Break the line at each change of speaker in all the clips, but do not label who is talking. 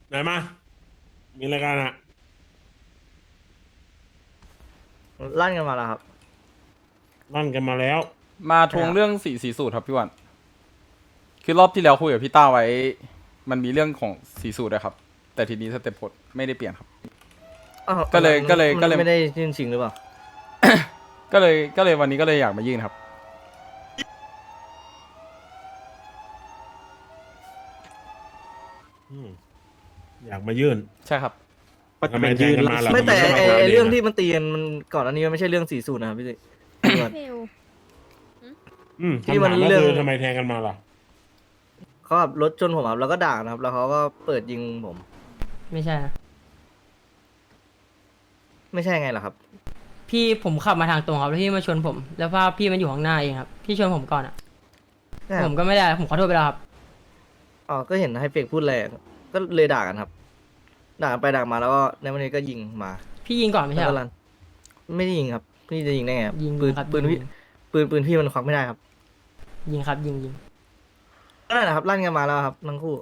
ไหนมามีรายการอ่ะ
ลั่นกันมาแล้วครับ
ลั่นกันมาแล้ว
มาทวงเรื่องสีสูตรครับพี่วันคือรอบที่แล้วคุยกับพี่ต้าไว้ มันมีเรื่องของสีสูตรนะครับ แต่ทีนี้สเต็ปผลไม่ได้เปลี่ยนครับ
อ้าว
ก็เลย
มันไม่ได้ยื่นชิงหรือเปล่า
ก็เลยวันนี้ก็เลยอยากมายื่นครับ
อืมอยากมายื่น
ใช่ครับ
ทำไมแทงกันมาล่ะ
ไม่แต่
ทำ
ไอ้
ด้
เรื่องที่มันตีกันมันก่อนอันนี้มันไม่ใช่เรื่องสีสูตรนะครับพี่พี่วัน
เฟล
ที่
คำ
มั
ถาน มก็
เรื่อง
คือทำไมแทงกันมาล่ะ
เขาขับรถชนผมครับแล้วก็ด่านะครับ แล้วเขาก็เปิดยิงผม
ไม่ใช่นะ
ไม่ใช่ไงล่ะครับ
พี่ผมขับมาทางตรงครับแล้วพี่มาชนผม แล้วภาพพี่มันอยู่ข้างหน้าเองครับ พี่ชนผมก่อนอ่ะ
ใช่ค
ผ
รับ
มก็ไม่ได้ผมขอโทษไปแล้วครับ
อ๋อก็เห็นให้เฟกพูดแรงก็เลยด่ากันครับ ด่ากันไปด่ามาแล้วก็ในวันนี้ก็ยิงมา
พี่ยิงก่อนไม่ใช่
แล้ว
เหร
ก็
อ
ลั่นไม่ได้ยิงครับพี่จะยิงได้ไงครับ
ยิง
ปืน
ครับ
ปืนพี่ปืนพี่มันควักไม่ได้ครับ
ยิงครับยิง
นั่นแหละครับลั่นกันมาแล้วครับทั้งคู่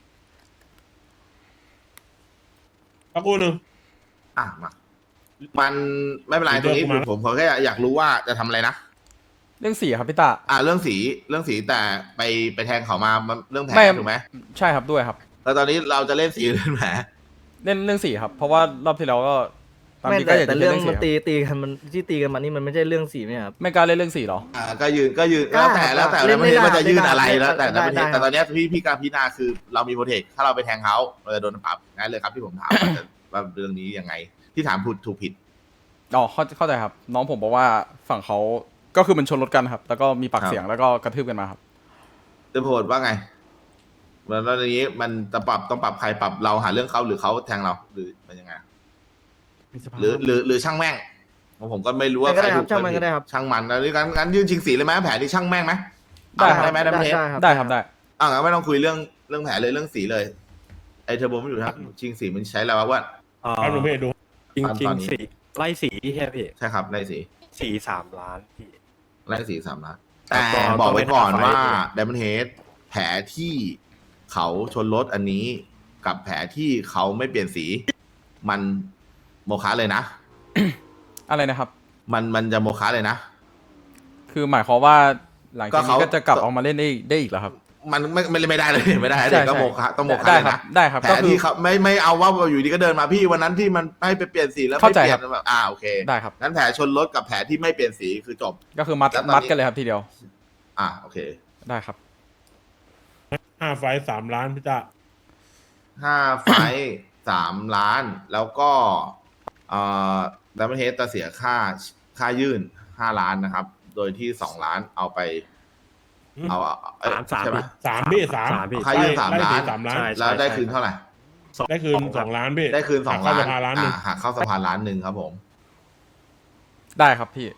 สักครู่หนึ่ง
อ่ะมามันไม่เป็นไรตรงนี้
เดี๋ยวกูมา
ผมแค่อยากรู้ว่าจะทำอะไรนะ
เรื่องสีครับพี่ต้า
เรื่องสีแต่ไปแทงเขามามันเรื่องแผล
ไม่
ถูกไหม
ใช่ครับด้วยครับ
แล้วตอนนี้เราจะเล่นสีเรื่องแผล
เรื่องสีครับ เพราะว่ารอบที่แล้วก็ตาม
ไม่
ที่ก็
แต่
อยาก
แต่
จะ
เรื่อง
เล่น
มัน
สี
ตีกันมันที่ตีกันมานี่มันไม่ใช่เรื่องสีไหมครับ
ไม่กล้าเล่นเรื่องสีหรอ
ก็ยืน
กล้า
แล้วแต่
เล่น
แล้วมันจะยื่นอะไร
ได้
แล้วแต่
ได้
ประเทศ
ได้
แต่ตอนเนี้ยพี่การพิจารณาคือเรามีโปรเทคถ้าเราไปแทงเขาเราจะโดนปรับงั้นเลยครับที่ผมถามว่าเรื่องนี้ยังไง ที่ถามพูดถูกผิด
อ๋อเข้าใจครับ น้องผมบอกว่าฝั่งเขาก็คือมันชนรถกันครับ แล้วก็มีปาก
ครับ
เสียงแล้วก็กระทืบกันมาครับ
เต็มโพดว่าไงแล้วอย่างนี้มันจะต้องปรับใครปรับเราหาเรื่องเขาหรือเขาแทงเราหรือมันยังไงหรือช่างแม่งผมก็ไม่รู้ว่า
ก็ได้
ใคร
ค
ถู
รับ
ก
ช่างมัน
ใครผิ
ก็
ด
ได้ครับ
ช่างมันแล้วนี่งั้นยื่นชิงสีเลยไหมแผลที่ช่างแม่งไหม
ได้ครับ
ได้ไหมได้ไหม
ได้ครับได้
งั้นไม่ต้องคุยเรื่องแผลเลยเรื่องสีเลยไอเทอร์โบไม่อยู่ครับชิงสีมันใช้แล้วว่า
แป๊บนึงพี่ดู
จริง
ต
จริ
อง นนี้
สีไล่สีใช่ไหมพี่
ใช่ครับไล่สี
สี3 ล้านพี่
ไล่สี3 ล้าน
แต่
แต่
ก็
บอกไว้ก่อน
ต้องไป
ว่า
หาไฟ
ไดมอนเฮดแผลที่เขาชนรถอันนี้ กับแผลที่เขาไม่เปลี่ยนสี มันโมฆะเลยนะ
อะไรนะครับ
มันจะโมฆะเลยนะ
คือหมายความว่าหลังจาก
ก็
นี้
เขา
ก็จะกลับออกมาเล่นได้อีกเหรอครับ
มันไม่ได้เลยไม่ได้เล
ใช่
ยก็
ใช่
โมฆะต้องโมฆะ
ได้
เลย
ครับ
นะ
ได้ครับ
แผล
ก็คือ
ที่เขาไม่เอาว่าอยู่ดีก็เดินมาพี่วันนั้นที่มันให้ไปเปลี่ยนสีแล้วไม่
เข้าใจ
เปลี่ย
ครับ
นแบบโอเค
ได้ครับ
งั้นแผลชนรถกับแผลที่ไม่เปลี่ยนสีคือจบ
ก็คือมัด
แล้วตอนนี้
มัดกันเลยครับทีเดียว
โอเค
ได้ครับ
5 ไฟล์3 ล้านพี่ตา
5 ไฟท์3 ล้าน แล้วก็ดับเบิลเฮดจะเสียค่ายื่น5 ล้านนะครับ โดยที่2 ล้านเอาไปเอ้ย
สาม
ใช่ไหม
พี่สาม
พี่
ค่ายื่น
ไล่
3 ล้าน
3 ล้าน
ใช่
แล้วได้คืนเท่าไหร่
ได้คืน2 ล้านพี่
ได้คืน
หัก
2
เข้า
ล้า
ส
น
ภาล้านหนึ่ง
หักเข้าสภา1 ล้านครับผม
ได้ครับพี่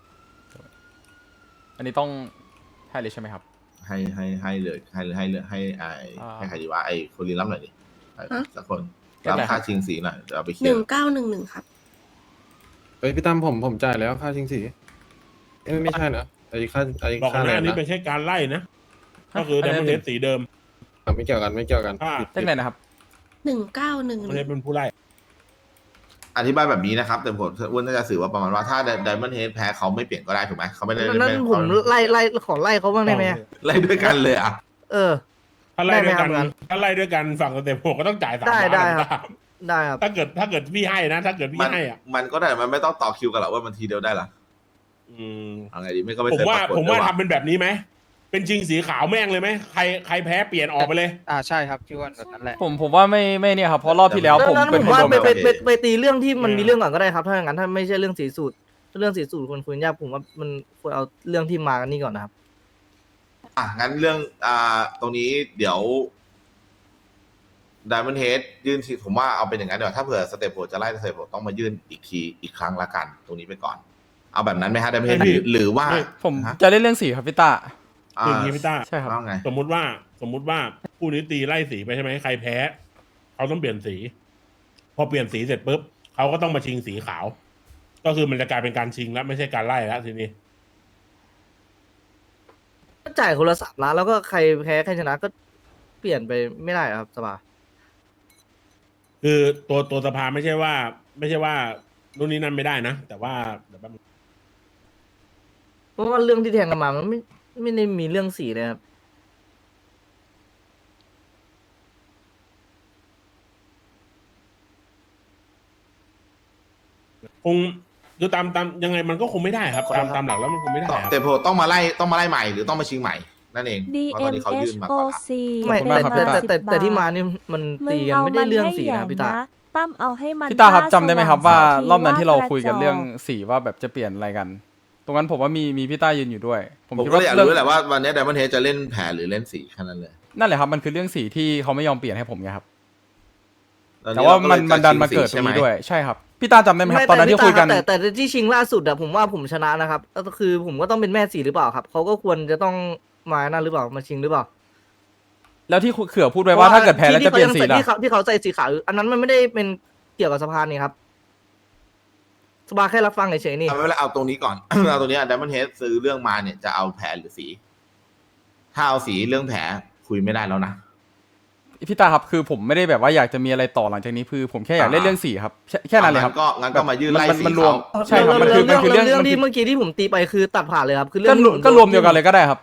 อันนี้ต้องให้เลยใช่ไหมครับ
ให้เลยให้ใครดีวะไอ้คนรีรับหน่อยดิสักคน
เรีย
รั
บบ ร้อยครับ
ค่าชิงสีหน่อยเดี๋ยวเอาไปเคลี
ห
ย
นึ่ง
ร์
เก้าหนึ่งหนึ่งครับ
เฮ้ยพี่ตั้มผมจ่ายแล้วค่าชิงสีไม่ใช่นะไอ้ค่าไอ้
บอก
ค่า
ห
อะไร
น้านี้
นะ
เป็นแค่การไล่นะ ก็คือ
อัน
ดั
นี้
มเบิลเฮดสีเดิม
ไม่เกี่ยวกันไม่เกี่ยวกัน
ถ้า
เล่นไหนนะครับ
1911
ดัมเบิลเฮดเป็นผู้ไล่
อธิบายแบบนี้นะครับ แต่ผมอ้วนน่าจะสื่อว่าประมาณว่าถ้าไดมอนเฮดแพ้เขาไม่เปลี่ยนก็ได้ถูกไหมเขาไม่ได้
นั้นผมไล่ขอไล่เขาบ้างได้ไหม
ไล่ด้วยกันเลยอ่ะ
เออ
ถ้าไล่ด้วยกัน
ได้ไหมครับ
ถ้าไล่ด้วยกันฝั่งสเต็ป6ก็ต้องจ่าย3
ได้
ล้าน
ได้
นะ
ครับ ได้ครับ
ถ้าเกิดพี่ให้นะ ถ้าเกิดพี่
มัน
ให้อ่ะ
มันก็ได้มันไม่ต้องต่อคิวกันหรอกว่ามันทีเดียวได้หรอ
อืม
เอาไงดีไม่ก็ไม่
ผม
เคย
ว่า
ปรากฏ
ผมว่า
ด้วย
ทำเป็นแบบนี้ไหม เป็นชิงสีขาวแม่งเลยไหมใครแพ้เปลี่ยนออกไปเลย
ใช่ครับพี่อ้วันแบบนั้นแหละ
ผมว่าไม่เนี่ยครับ เพราะรอบที่แล้วผม
นั้น
เป็น
ผม
คน
ว่า
โดน
ไปตีเรื่องที่มันมีเรื่องก่อนก็ได้ครับ ถ้าอย่างนั้นถ้าไม่ใช่เรื่องสีสูตรเรื่องสีสูตรควรคุยยากผมว่ามันควรเอาเรื่องที่มากันนี่ก่อนนะครับ
งั้นเรื่องตรงนี้เดี๋ยวไดมอนเฮดยื่นทีผมว่าเอาเป็นอย่างนั้นเดี๋ยวถ้าเผื่อสเตปโปจะไล่สเตปโปต้องมายื่นอีกครั้งละกัน ตรงนี้ไปก่อน เอาแบบนั้นไหมฮะไดมอนเฮด
ไม่พี่
หรือว่า
ไม่
ผม
ฮะ
จะเล่นเรื่องสีครับพี่ต้า
คืออย่างนี้พี่ต้า
ใช่ครับ
ว่าไง
สมมุติว่าคู่นี้ตีไล่สีไปใช่ไหมใครแพ้เขาต้องเปลี่ยนสี พอเปลี่ยนสีเสร็จปุ๊บเขาก็ต้องมาชิงสีขาว ก็คือมันจะกลายเป็นการชิงแล้วไม่ใช่การไล่แล้วทีนี้
จ่ายคนละ3 ล้านแล้วก็ใครแพ้ใครชนะก็เปลี่ยนไปไม่ได้ครับสบาย
คือตัวสภาไม่ใช่ว่านู่นนี่นั่นไม่ได้นะ แต่ว่าเดี๋ยวแป๊บนึง
เพราะว่าเรื่องที่แทงกันมามันไม่ได้มีเรื่องสีเลยครับ
คงคือตามยังไงมันก็คงไม่ได้ครับ ตามหลักแล้วมันคงไม่ได้ครับ
แต่โพต้องมาไล่ใหม่หรือต้องมาชิงใหม่นั่นเองเพราะตอนนี้เขายื่นมาก่อนละ
ไม่
ขอบคุณมากครับพี่ตา
แต่ที่มานี่มันตีกันไม่ได้เรื่องสีนะพี่ตา
ตั้มเอาให้มัน
พี่ตาครับจำได้ไหมครับว่า
สง
รอบนั้นที่เรา
ว่
คุยกัน
ระจ
เรื่องสีว่าแบบจะเปลี่ยนอะไรกัน ตรงนั้นผมว่ามีพี่ตายืนอยู่ด้วย ผม
ผม
คิด
ก็
ว่า
เลยอยาก
เรื่อง
รู้แหละว่าวันนี้ Diamond Head จะเล่นแผลหรือเล่นสีแค่นั้นเลย
นั่นแหละครับมันคือเรื่องสีที่เขาไม่ยอมเปลี่ยนให้ผมไงครับ
ตอน
แต่
นี้
ว่า
เรก็
มัน
เลย
มันดันมา
จะ
เกิด
ชิ
ตรง
สี
นี้
ใช่ไหม
ด้วยใช่ครับพี่ตาจำได้ไหมครับตอนนั้นที่คุยกัน
แต่ที่ชิงล่าสุดอะผมว่าผมชนะนะครับก็คือผมก็ต้องเป็นแม่สีหรือเปล่าครับเขาก็ควรจะต้องมานั่นหรือเปล่ามาชิงหรือเปล่า
แล้วที่เขื่อพูดไว้ว่าถ้าเกิดแพ้แล้วจะเปลี่ยนสีล่ะ
ที่เขาใส่สีขาวอันนั้นมันไม่ได้เป็นเกี่ยวกับสภานี่ครับสภาแค่รับฟังเฉยๆนี่
เอาไม่เป็นไรเอาตรงนี้ก่อน เอาตรงนี้ Diamond Head ซื้อเรื่องมาเนี่ยจะเอาแผลหรือสี ถ้าเอาสีเรื่องแผลคุยไม่ได้แล้วนะ
พี่ตาครับคือผมไม่ได้แบบว่าอยากจะมีอะไรต่อหลังจากนี้คือผมแค่อยากเล่นเรื่องสีครับแค่นั้นเลยครับ
งั้นก็มายื่นไล่สี
มันรวม
เขา
ใช่ครับมันคือเรื่อง
เรื่อง
มันคือ
ที่เมื่อกี้ที่ผมตีไปคือตัดผ่านเลยครับคือเรื่
ก็
องที่ผม
ก็รวมเดียวกันเลยก็ได้ครับ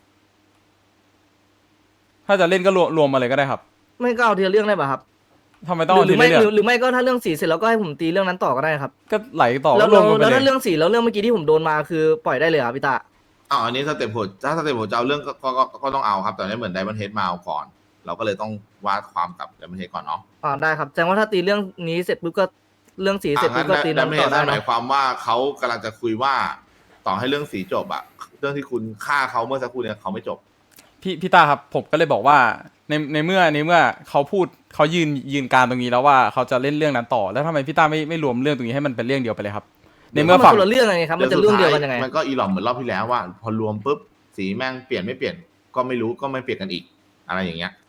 ถ้าจะเล่นก็รวมมาเลยก็ได้ครับ
ไม่ก็เอาทีละเรื่องได้ป่ะครับ
ทำไมต้องเอา
หรื
ที
ไม่
ละเรื่อง
หรือไม่ก็ถ้าเรื่องสีเสร็จแล้วก็ให้ผมตีเรื่องนั้นต่อก็ได้ครับ
ก็ไหลต่อ
แล้ว
ก็รวมกันไป
แล้ว
เล
ถ้าย เรื่องสีแล้วเรื่องเมื่อกี้ที่ผมโดนมาคือปล่อยได้เลยครับพี่ตา
อันนี้สเต็ปโหดถ้าสเต็ปโหดจะเอาเรื่องก็ต้องเอาครับ แต่นี่เหมือน Diamond Head มาเอาก่อน เราก็เลยต้องวาดความกับ Diamond Head ก่อนเนาะ
ได้ครับแสดงว่าถ้าตีเรื่องนี้เสร็จปุ๊บก็เรื่องสีเสร็จปุ๊บก็ตี
ดั
นั้
ม
น
เม
ต่
จ
อได้
ห
นะ
มายความว่าเขากำลังจะคุยว่าต่อให้เรื่องสีจบอะเรื่องที่คุณฆ่าเขาเมื่อสักครู่เนี่ยเขาไม่จบ
พี่ตาครับผมก็เลยบอกว่าในเมื่อเขาพูดเขายืนการตรงนี้แล้วว่าเขาจะเล่นเรื่องนั้นต่อแล้วทำไมพี่ตาไม่รวมเรื่องตรงนี้ให้มันเป็นเรื่องเดียวไปเลยครับ ในเมื่อ
มัน
ฝั่ง
คนละเรื่องไงครับมันจะเรื่องเดียวกันยังไง
มันก็อีหลอมเหมือนรอบที่แล้วว่า พอรวมปุ๊บสีแม่งเปลี่ยนไม่เปลี่ยนก็ไม่รู้ก็ไม่เปลี่ยนกันอีกอะไรอย่างเงี้ย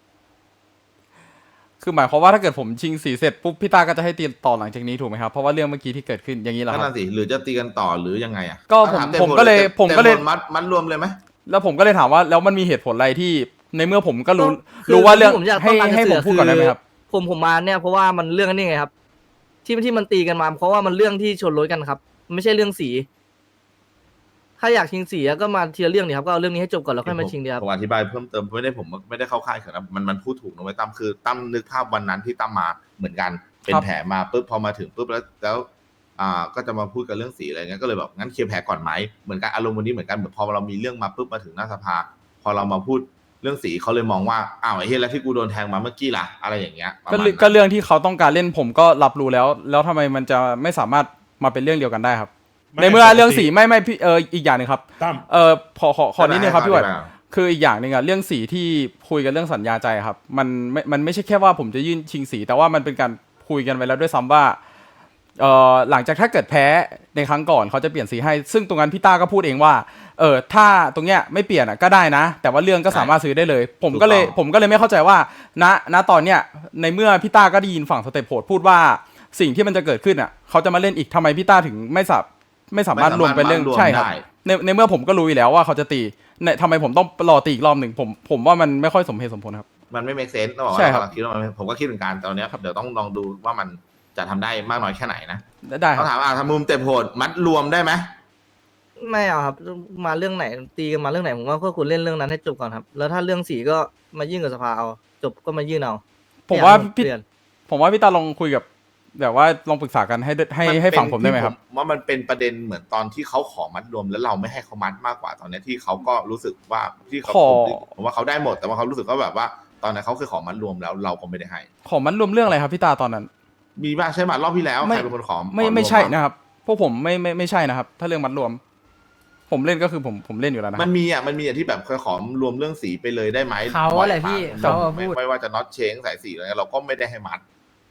คือหมายความว่าถ้าเกิดผมชิงสีเสร็จปุ๊บพี่ตาก็จะให้ตีต่อหลังจากนี้ถูกไหมครับเพราะว่าเรื่องเมื่อกี้ที่เกิดขึ้นอย่างนี้เหรอ
นั่
คน รับ
น่ะสิหรือจะตีกันต่อหรือยังไงอะ
ก็ผมก็เลย
มัดรวมเลยไหม
แล้วผมก็เลยถามว่าแล้วมันมีเหตุผลอะไรที่ในเมื่อผมก็รู้
คือ
รู้ว่าเรื่อง
ที่ผมอยาก
ให้
ต้องการจะ
ให้ผม
สื่อ
พูดก่อนได้ไหมครับ
ผมมาเนี่ยเพราะว่ามันเรื่องนี้ไงครับ ที่มันตีกันมาเพราะว่ามันเรื่องที่ชนรถกันครับมันไม่ใช่เรื่องสี ถ้าอยากชิงสีก็มาทีละเรื่องนี่ครับก็เอาเรื่องนี้ให้จบก่อนแล้วค่อยมาชิงดีครับ
ผมอธิบายเพิ่มเติมผมไม่ได้เข้าค่ายเขินนะมันพูดถูกนะเว้ยตั้มคือตั้มนึกภาพวันนั้นที่ตั้มมาเหมือนกันเป็น
ครับ
แผลมาปุ๊บพอมาถึงปุ๊บแล้วก็จะมาพูดกันเรื่องสีอะไรเงี้ยก็เลยแบบงั้นเคลียร์แผลก่อนไหมเหมือนกันอารมณ์วันนี้เหมือนกันเหมือนพอเรามีเรื่องมาปุ๊บมาถึงหน้าสภา พอเรามาพูดเรื่องสีเขาเลยมองว่าอ้าวไอ้เหี้ยแล้วที่กูโดนแทงมาเมื่อกี้ล่ะอะไรอย่างเงี้ยประ
ก็
มาณ
เรื่อง
นั้น
ก็เรื่องที่เขาต้องการเล่นผมก็รับรู้แล้วทำไมมันจะไม่สามารถมาเป็นเรื่องเดียวกันได้ครับ ในเมื่อเรื่องสีไม่พี่อีกอย่างหนึ่งครับ
ตั้ม
ขอนิดนึงครับพี่วัด
ได้
คืออีกอย่างหนึ่งอะเรื่องสีที่คุยกันเรื่องสัญญาใจครับมันไม่ใช่แค่ว่าผมจะยื่นชิงสี แต่ว่ามันเป็นการคุยกันไว้แล้วด้วยซ้ำว่าหลังจากถ้าเกิดแพ้ในครั้งก่อนเขาจะเปลี่ยนสีให้ ซึ่งตรงนั้นพี่ต้าก็พูดเองว่าถ้าตรงเนี้ยไม่เปลี่ยนอะก็ได้นะ แต่ว่าเรื่องก็สามารถซื้อได้เลย ผมก็เลยไม่เข้าใจว่าณตอนเนี้ยในเมื่อพี่ต้าก็ได้ยินฝั่งสเตปโหดพูดว่าสิ่งที่มันจะเกิดขึ้นอะเขาจะมาเล่นอีกทำไมพี่ต้าถึงไม่สามารถรวมเป็นเรื่องใช่ครับในเมื่อผมก็รู้อยู่แล้วว่าเขาจะตีทำไมผมต้องรอตีอีกรอบหนึ่งผมว่ามันไม่ค่อยสมเหตุสมผลครับ
มันไม่ make sense ต้องบอก
ใช่
ว่า
ครับ
กำลังคิดว่ามันผมก็คิดเหมือนกันตอนเนี้ยเดี๋ยวต้องลองดูว่ามันจะทำได้มากน้อยแค่ไหนนะ
ได้ค
ต้
รั
อบ งถามทำมุมเต็มโหดมัดรวมได้ไหม
ไม่เอาครับมาเรื่องไหนตีกันมาเรื่องไหนผมว่าก็ควรเล่นเรื่องนั้นให้จบก่อนครับ แล้วถ้าเรื่องสีก็มายื่นกับสภาเอาจบก็มายื่นเอา
ผมว่า
เปลี่ยน
ผมว่าพี่ตาลองคุยกับแบบว่าลองปรึกษากันให้ฝั่งผมได้ไหมครับ
ว่ามันเป็นประเด็นเหมือนตอนที่เขาขอมัดรวมแล้วเราไม่ให้เขามัดมากกว่าตอนเนี้ยที่เขาก็รู้สึกว่าที่เขา
ขอ
ผมว่าเขาได้หมดแต่ว่าเขารู้สึกว่าแบบว่าตอนนั้นเขาเคยขอมัดรวมแล้วเราก็ไม่ได้ให้
ขอมันรวมเรื่องอะไรครับพี่ตาตอนนั้น
มีบ้างใช่ไหมรอบที่แล้ว
ไม่
ใครเป็นคนขอ
ไม่ใช่นะครับ พวกผมไม่ใช่นะครับ ถ้าเรื่องมัดรวม ผมเล่นก็คือผมเล่นอยู่แล้วนะค
มั
รับ
นมีที่แบบเคยขอรวมเรื่องสีไปเลยได้ไหม
เขาอะไรพี่
บ่อยมก
เขาพูด
ไม่ว่าจะน็อตเชงสายสีอะไรเราก็ไม่ได้ให้มัด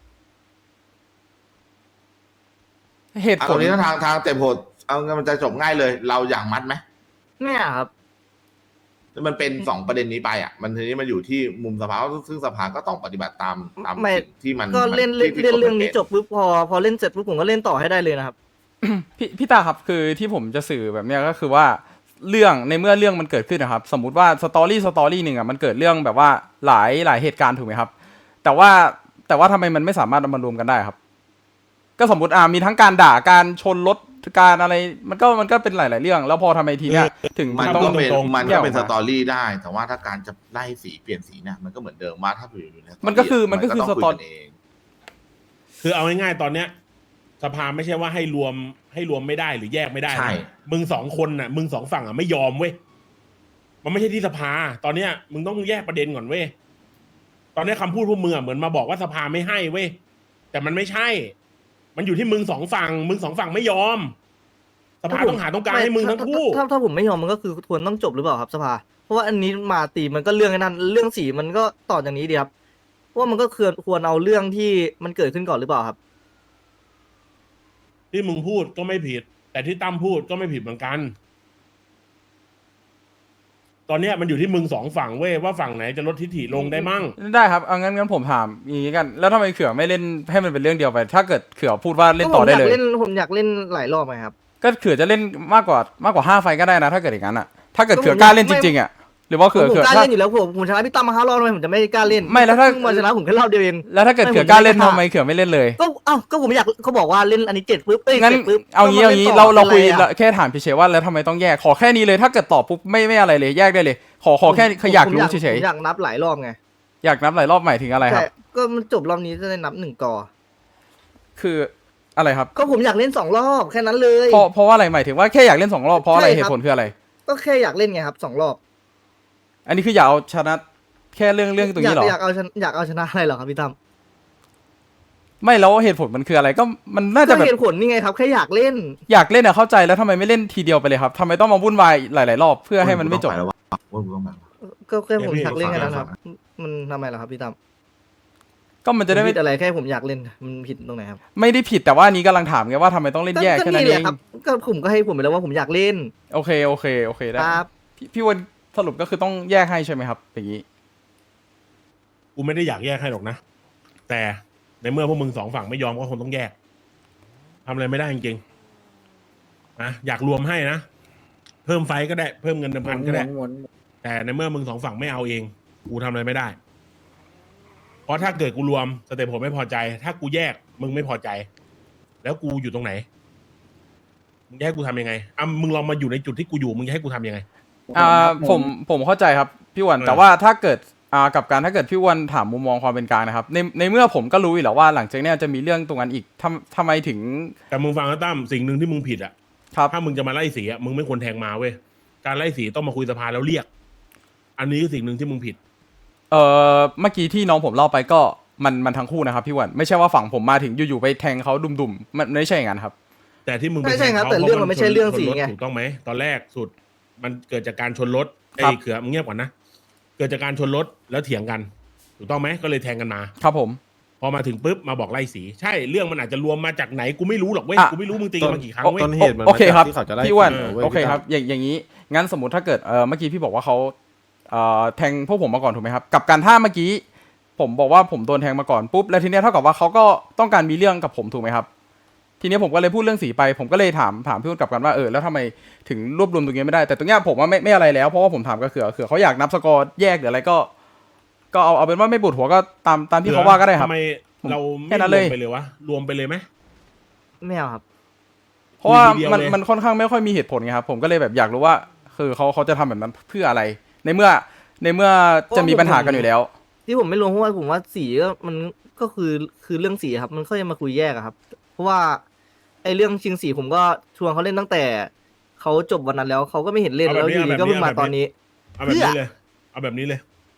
เหตุ
อ่ะ
ผ
ตร
ล
งนี้ทางเต็มโหดเอางั้นมันจะจบง่ายเลย เราอยากมัดไหม
ไม่เอาครับ
มันเป็นสองประเด็นนี้ไปอ่ะมันทีนี้มันอยู่ที่มุมสภาซึ่งสภาก็ต้องปฏิบัติตาม
ไม่
สิ่งที่มัน
ก็เล่น
ที่
เล่นเรื่องนี้
กฎหมาย
จบปุ๊บพอเล่นเสร็จปุ๊บผมก็เล่นต่อให้ได้เลยนะครับ
พี่ตาครับคือที่ผมจะสื่อแบบเนี้ยก็คือว่าเรื่องในเมื่อเรื่องมันเกิดขึ้นนะครับ สมมุติว่าสตอรี่หนึ่งอ่ะมันเกิดเรื่องแบบว่าหลายเหตุการณ์ถูกไหมครับ แต่แต่ว่าทำไมมันไม่สามารถเอามารวมกันได้ครับ ก็สมมติมีทั้งการด่าการชนรถการอะไรมันก็เป็นหลาย ๆ เรื่อง แล้วพอทำไมทีเนี้ยถึง
มัน
ต้อง
ก็เป็น
ตรงๆ
มัน
แย
ก็
กออกมา
เป็นสตอรี่ได้ แต่ว่าถ้าการจะไล่สีเปลี่ยนสีเนี่ยมันก็เหมือนเดิมว่าถ้าอยู่ในสตรี่
มันก็คือ
ต้ง
สตอ
คุยกันเอง
คือเอาง่ายๆตอนเนี้ยสภาไม่ใช่ว่าให้รวมไม่ได้หรือแยกไม่ได้นะ
ใช่
มึงสองคนน่ะมึงสองฝั่งอ่ะไม่ยอมเว้ยมันไม่ใช่ที่สภา ตอนเนี้ยมึงต้องแยกประเด็นก่อนเว้ยตอนเนี้ยคำพูดพวกมึงอ่ะเหมือนมาบอกว่าสภาไม่ให้เว้ยแต่มันไม่ใช่ มันอยู่ที่มึงสองฝั่งไม่ยอม สภาต้องหาตรงกลางให้มึงทั้งคู่
ถ้าผมไม่ยอมมันก็คือควรต้องจบหรือเปล่าครับสภาเพราะว่าอันนี้มาตีมันก็เรื่องไอ้นั้นเรื่องสีมันก็ต่อจากนี้ดีครับเพราะว่ามันก็ควรเอาเรื่องที่มันเกิดขึ้นก่อนหรือเปล่าครับ
ที่มึงพูดก็ไม่ผิด แต่ที่ตั้มพูดก็ไม่ผิดเหมือนกัน ตอนเนี้ยมันอยู่ที่มึงสองฝั่งเว้ยว่าฝั่งไหนจะลดทิฐิลงได้มั่ง
ได้ครับเอางั้นผมถามอย่างนี้กัน แล้วทำไมเขือไม่เล่นให้มันเป็นเรื่องเดียวไป ถ้าเกิดเขือพูดว่าเล่นต่อได้เลย
ผมอยากเล่นหลายรอบไหมครับ
ก็เขือจะเล่นมากกว่า5 ไฟก็ได้นะ ถ้าเกิดอย่างนั้นอ่ะถ้าเกิดเขือกล้าเล่นจริงๆอ่ะหรือว่าเขือ
ผมกล้า
ถ้า
เล่นอยู่แล้วผมชนะพี่ตั้มมา5 รอบทำไมผมจะไม่กล้าเล่น
ไม่แล้วถ้า
เพิ่งมาชนะผมแค่รอบเดียวเอง
แล้วถ้าเกิดเขือกล้าเล่นทำไมเขือไม่เล่นเลย
ก็ผมอยากเขาบอกว่าเล่นอันนี้7ปุ๊บ
งั้น
7ปุ๊บ
เอางี้
ก็มล่นต่
เราคุย
ป็นไรอะ
แค่ถามเฉยๆว่าแล้วทำไมต้องแยกขอแค่นี้เลยถ้าเกิดตอบปุ๊บไม่อะไรเลยแยกได้เลย ขอแค่อยากรู้เฉย
ผมอยากนับหลายรอบไง
ๆอยากนับหลายรอบหมายถึงอะไรครับ
แต่ก็มันจบรอบนี้จะได้นับ1 ก่อ
คืออะไรครับ
ก็ผมอยากเล่น2 รอบแค่นั้นเลย
เพราะว่าอะไรหมายถึงว่าแค่อยากเล่น2 รอบเพราะอะไร
ใช่
เห
ครับ
ตุผลคืออะไร
ก็แค่อยากเล่นไงครับ2 รอบ
อันนี้คืออยากเอาชนะแค่เรื่องตรงนี้เหรอ
อยากเอาชนะอะไรเหรอครับพี่ตั้ม
ไม่แล้วเหตุผลมันคืออะไรก็มันน่าจะ
ก็
แบบ
เหตุผลนี่ไงครับแค่อยากเล่น
อยากเล่นอะเข้าใจแล้วทำไมไม่เล่นทีเดียวไปเลยครับทำไมต้องมาวุ่นวายหลายๆรอบเพื่อให้มันไม่จบ
ต้องปแล้วว่ามึงต้องไปแล้ว
ก็แค่ผม
เดี๋ยวพี่
อยากเล่นแค่นั้นครับ
ฟัง
มันทำไมล่ะครับพี่ตั้ม
ก็มันจะได้
ผม
ไม่
ผิดอะไรแค่ผมอยากเล่นมันผิดตรงไหนครับ
ไม่ได้ผิดแต่ว่าอันนี้กำลังถามไงว่าทำไมต้องเล่นแยก
ก็
แค่นั้น
นี่
เอ
แหละ
ง
ครับก็ผมก็ให้ผมไปแล้วว่าผมอยากเล่น
โอเคได้
ครับ
พี่วันสรุปก็คือต้องแยกให้ใช่ไหมครับอย่างนี้
กูไม่ได้อยากแยกให้หรอกนะ แต่ในเมื่อพวกมึงสองฝั่งไม่ยอมก็คงต้องแยกทำอะไรไม่ได้จริงๆนะอยากรวมให้นะ เพิ่มไฟก็ได้เพิ่มเงินเดิมพันก็ได้ แต่ในเมื่อมึงสองฝั่งไม่เอาเอง กูทำอะไรไม่ได้ เพราะถ้าเกิดกูรวมสเตปผมไม่พอใจ ถ้ากูแยกมึงไม่พอใจ แล้วกูอยู่ตรงไหนมึงจะให้กูทำยังไงมึงลองมาอยู่ในจุดที่กูอยู่มึงจะให้กูทำยังไง
ผมเข้าใจครับพี่วัน
เออ
แต่ว่าถ้าเกิดกับการถ้าเกิดพี่วันถามมุมมองความเป็นกลางนะครับในเมื่อผมก็รู้อยู่แล้วว่าหลังจากเนี้ยจะมีเรื่องตรงนั้นอีกทำไมถึง
แต่มึงฟังนะตั้มสิ่งหนึ่งที่มึงผิดอ่ะ
ครับ
ถ้ามึงจะมาไล่สีอ่ะมึงไม่ควรแทงมาเว้ยการไล่สีต้องมาคุยสภาแล้วเรียก อันนี้คือสิ่งหนึ่งที่มึงผิด
เมื่อกี้ที่น้องผมเล่าไปก็มันทั้งคู่นะครับพี่วันไม่ใช่ว่าฝั่งผมมาถึงอยู่ๆไปแทงเขาดุมๆมันไม่ใช่อย่างนั้นครับ
แต่ที่มึงไป
ใช่ครับ
ทงขา
แต่เรื่องมันไม่ใช่เรื่องสีไง
ถูกต้องไหมตอนแรกสุด มันเกิดจากการชนรถ
ครับ
เขือมึงเงียบก่อนนะเกิดจากการชนรถแล้วเถียงกัน ถูกต้องไหมก็เลยแทงกันมา
ครับผม
พอมาถึงปุ๊บมาบอกไล่สี ใช่เรื่องมันอาจจะรวมมาจากไหนกูไม่รู้หรอกเว้ยกูไม่รู้มึงตีกันมากี่ครั้งเว้ย
ต้นเหตุมัน
โอ
มา
เคครับ
จากที่เขาจะไล่
พี่วัน
สีเว้ย
โอเค
พี่ตั้ม
ครับอย่างนี้งั้นสมมติถ้าเกิดเมื่อกี้พี่บอกว่าเขาแทงพวกผมมาก่อนถูกไหมครับกับการถ้าเมื่อกี้ผมบอกว่าผมโดนแทงมาก่อนปุ๊บแล้วทีเนี้ยเท่ากับว่าเขาก็ต้องการมีเรื่องกับผมถูกไหมครับทีเนี้ยผมก็เลยพูดเรื่องสีไปผมก็เลยถามพี่วันกลับกันว่าแล้วทำไมถึงรวบรวมตรงนี้ไม่ได้แต่ตรงเนี้ยผมว่าไม่อะไรแล้วเพราะว่าผมถามกับเขือเขาอยากนับสกอร์แยกหรืออะไรก็เอาเป็นว่าไม่ปวดหัวก็ตามที่เขาว่าก็ได้ครับ
ทำไมเรา
แค่
ไม่
นั้น
ร
เล
วย มไปเลยวะรวมไปเลยไหม
ไม่เอาครับ
เพราะว่า
คุยทีเดียว
มัน
เลย
มันค่อนข้างไม่ค่อยมีเหตุผลไงครับผมก็เลยแบบอยากรู้ว่าคือเขาจะทำแบบนั้นเพื่ออะไร ในเมื่อจะมีปัญหากันอยู่แล้ว
ที่ผมไม่รู้เพราะว่าผมว่าสีก็มันก็คือเรื่องสีครับ มันก็จะมาคุยแยกอะครับ เพราะว่าไอ้เรื่องชิงสีผมก็ชวนเขาเล่นตั้งแต่เขาจบวันนั้นแล้วเขาก็ไม่เห็นเล่นแล้วอยู่ดีก็เพิ่งมาตอนนี้
เอาแบบนี้เลย เอาแบบนี้เลย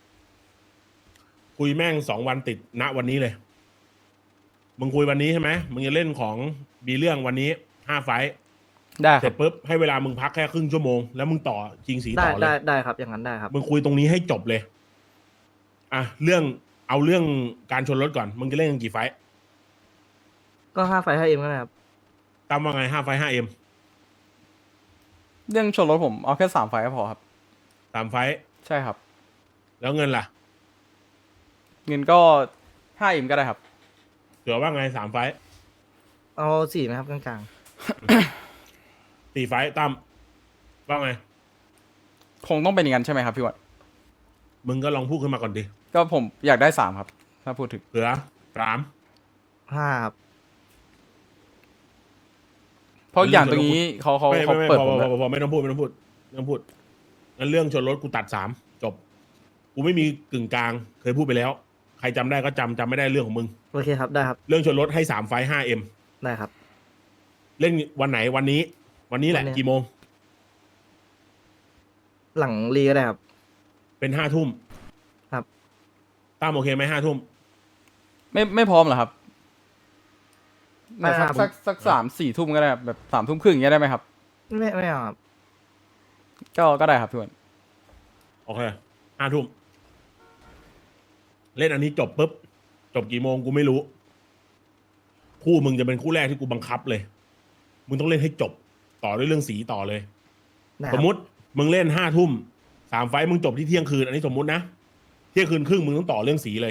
คุยแม่ง2 วันติดณวันนี้เลย มึงคุยวันนี้ใช่ไหมมึงจะเล่นของบีเรื่องวันนี้5 ไฟท์
ได้ค
เสร็
รับ
จปุ๊บให้เวลามึงพักแค่ครึ่งชั่วโมงแล้วมึงต่อชิงสี
ได้
ต่อเล
ได้
ย
ได้ครับอย่างนั้นได้ครับ
มึงคุยตรงนี้ให้จบเลยอ่ะเรื่องการชนรถก่อนมึงจะเล่นกันกี่ไฟท์
ก็5 ไฟล์5 เอ็มก็ได้ครับ
ตามว่าไง5 ไฟท์ 5M
เรื่องชนรถผมเอาแค่3 ไฟล์ก็พอครับ
3 ไฟท์
ใช่ครับ
แล้วเงินล่ะ
เงินก็5 ก็ได้ครับ
เผื่อว่าไง3 ไฟท์
เอา4ไหมครับกลาง
4 ไฟท์ตั้มว่าไง
คงต้องเป็นอย่างนั้นใช่ไหมครับพี่วัด
มึงก็ลองพูดขึ้นมาก่อนดิ
ก็ผมอยากได้3ครับถ้าพูดถึง
เผื่อ 3
5ครับ
เพราะอย่างตรงนี้เขา
ไม่
เปิด
พ
ผม
อ
แล้ว
พอไม่ต้องพูดงั้นเรื่องชนรถกูตัด3จบ กูไม่มีกึ่งกลาง เคยพูดไปแล้ว ใครจำได้ก็จำไม่ได้เรื่องของมึง
โอเคครับได้ครับ
เรื่องชนรถให้3 ไฟต์ 5M
ได้ครับ
เล่นวันไหนวันนี้แหละ
วันนี้
กี่โมง
หลังรีก็ได้ครับ
เป็น5 ทุ่ม
ครับ
ตั้มโอเคไหม5 ทุ่ม
ไม่พร้อมเหรอครับ
ไม่ครับ
สัก3-4 ทุ่มก็ได้ครับแบบ3 ทุ่มครึ่งอย่างเงี้ยได้ไหมครับ
ไม่เอาครับ
ก็ได้ครับพี่อ้วน
โอเค5 ทุ่ม เล่นอันนี้จบปุ๊บ จบกี่โมงกูไม่รู้ คู่มึงจะเป็นคู่แรกที่กูบังคับเลย มึงต้องเล่นให้จบ ต่อด้วยเรื่องสีต่อเลย
ได้ค
ส
รับ
มมติมึงเล่น5 ทุ่ม 3 ไฟต์มึงจบที่เที่ยงคืน อันนี้สมมตินะ เที่ยงคืนครึ่งมึงต้องต่อเรื่องสีเลย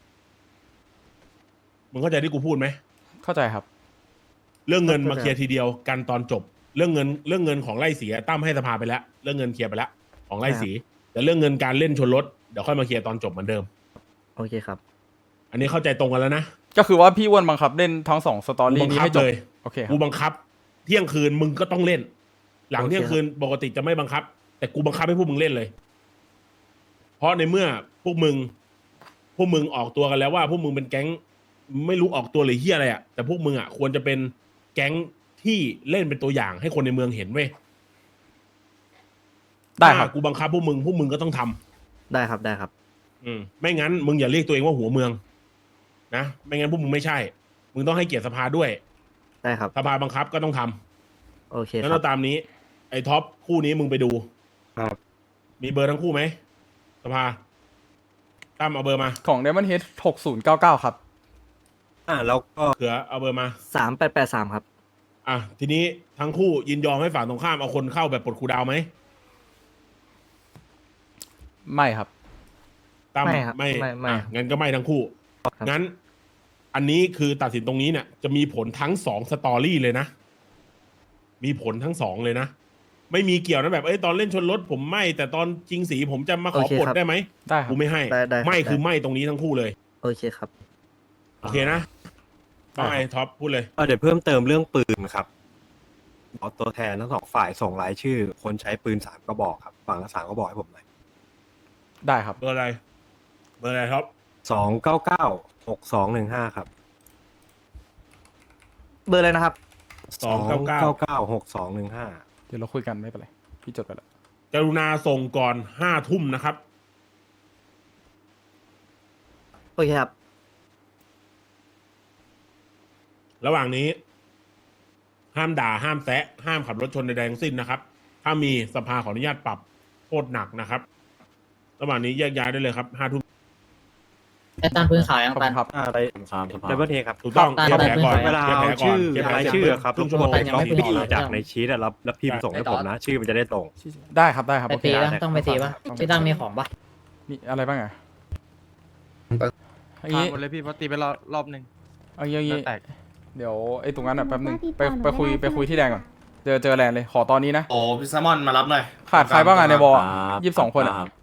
มึงเข้าใจที่กูพูดไหม
เข้าใจครับ
เรื่องเงินมาเคลียร์ทีเดียวกันตอนจบ เรื่องเงินของไล่สีอะตั้มให้สภาไปแล้ว เรื่องเงินเคลียร์ไปแล้วของไล่สี แต่เรื่องเงินการเล่นชนรถเดี๋ยวค่อยมาเคลียร์ตอนจบเหมือนเดิม
โอเคครับ
อันนี้เข้าใจตรงกันแล้วนะ
ก็คือว่าพี่อ้วนบังคับเล่นทั้ง2 สตอรี่นี้ให้จบ
เลย
โอเคค
กู
รับ
บังคับ เที่ยงคืนมึงก็ต้องเล่น หลัง
โอเค
เที่ยงคืนปกติจะไม่บังคับ แต่กูบังคับให้พวกมึงเล่นเลย เพราะในเมื่อพวกมึงออกตัวกันแล้วว่าพวกมึงเป็นแก๊งไม่รู้ออกตัวหรือเฮียอะไรอ่ะแต่พวกมึงอ่ะควรจะเป็นแก๊งที่เล่นเป็นตัวอย่างให้คนในเมืองเห็นเว้ย
ได้ครับ
ถ้ากูบังคับพวกมึงก็ต้องทำ
ได้ครับได้ครับ
ไม่งั้นมึงอย่าเรียกตัวเองว่าหัวเมืองนะไม่งั้นพวกมึงไม่ใช่ มึงต้องให้เกียรติสภาด้วย
ได้ครับ
สภาบังคับก็ต้องทำ
โอเค
งั้น
ครั
เรา
บ
ตามนี้ ไอ้ท็อปคู่นี้มึงไปดู
ครับ
มีเบอร์ทั้งคู่ไหมสภาตั้มเอาเบอร์มา
ของ Diamond Head 6099 ครับ
แล้วก็
เผื่อเอาเบอร์มา
3883ครับ
อ่ะทีนี้ทั้งคู่ยินยอมให้ฝั่งตรงข้ามเอาคนเข้าแบบปลดครูดาวไหม
ไม่ครับ
ตั้ม
ไม่ครับ
ไม่
ไม่
อ่ะงั้นก็ไม่ทั้งคู่
ครับ
งั้น อันนี้คือตัดสินตรงนี้เนี่ยจะมีผลทั้ง2 สตอรี่เลยนะ มีผลทั้ง2เลยนะ ไม่มีเกี่ยวนะแบบตอนเล่นชนรถผมไม่ แต่ตอนจริงสีผมจะมาขอ
โอเค
ปลด
ครับ
ได้ไหม
ได้ครับ
กูไม่ให้
ได้ครับ
ไม่คือ
ได้
ไม่ตรงนี้ทั้งคู่เลย
โอเคครับ
โอเคนะว่าไงท็อปพูดเลย
เดี๋ยวเพิ่มเติมเรื่องปืนครับขอตัวแทนทั้ง2 ฝ่ายส่งรายชื่อ คนใช้ปืน3 กระบอกครับฝั่งละ3 กระบอกให้ผมหน่อย
ได้ครับ
เบอร์อะไร เบอร์อะไรท็อป
2996215 ครับ
เบอร์อะไรนะครับ
2996215
เดี๋ยวเราคุยกันไม่เป็นไร พี่จดไปแล้ว
กรุณาส่งก่อน5 ทุ่มนะครับ
โอเคครับ
ระหว่างนี้ ห้ามด่าห้ามแซะห้ามขับรถชนใดๆทั้งสิ้นนะครับ ถ้ามีสภาขออนุญาตปรับโทษหนักนะครับ ระหว่างนี้แยกย้ายได้เลยครับ5 ทุ่ม
ไอ้ตามพื้นขาวยัง
ขอบ
ตั
คุ
น
ณครับ
อะไรดับเบิลเทครับ
ถูกต้อง
ครับ
เคลียร์แผลก่อน
เวลา
คลียร์
เอา
แผลก่อน
ชื่อ
เคลียร์แผล
ราย
ก่น
ชื่อครับ
ครึ่งชั่วโมง
ต้อง
ไม่
ไป
ดี
จากในชีตแล้วพิมพ์ส่งให้ผมนะ ชื่อมันจะได้ตรง
ได้ครับได้ครับ
ไป
โอเค
ตี
ได้
ปะต้องไปตีปะพี่ตั้งมีของปะ
มีอะไรบ้างอ่ะอย่าง
ผ่าน
นี้
หมดเลยพี่เพราะตีไปรอบหนึ่ง
เอาอย่าง
แล้
นี้
วแตก
เดี๋ยวไอ้ตรงนั้นอ่ะแป๊บนึง
ติด
ไป
ต่อหนู
ไปคุย
ไม่ได้
ไปคุยที่แดงก่อน เจอแลนด์เลย ขอตอนนี้นะ
โอ้พี่แซมมอนมารับหน่อย
ขาดใครบ้างอ่ะในบอล22 คนอ่ะ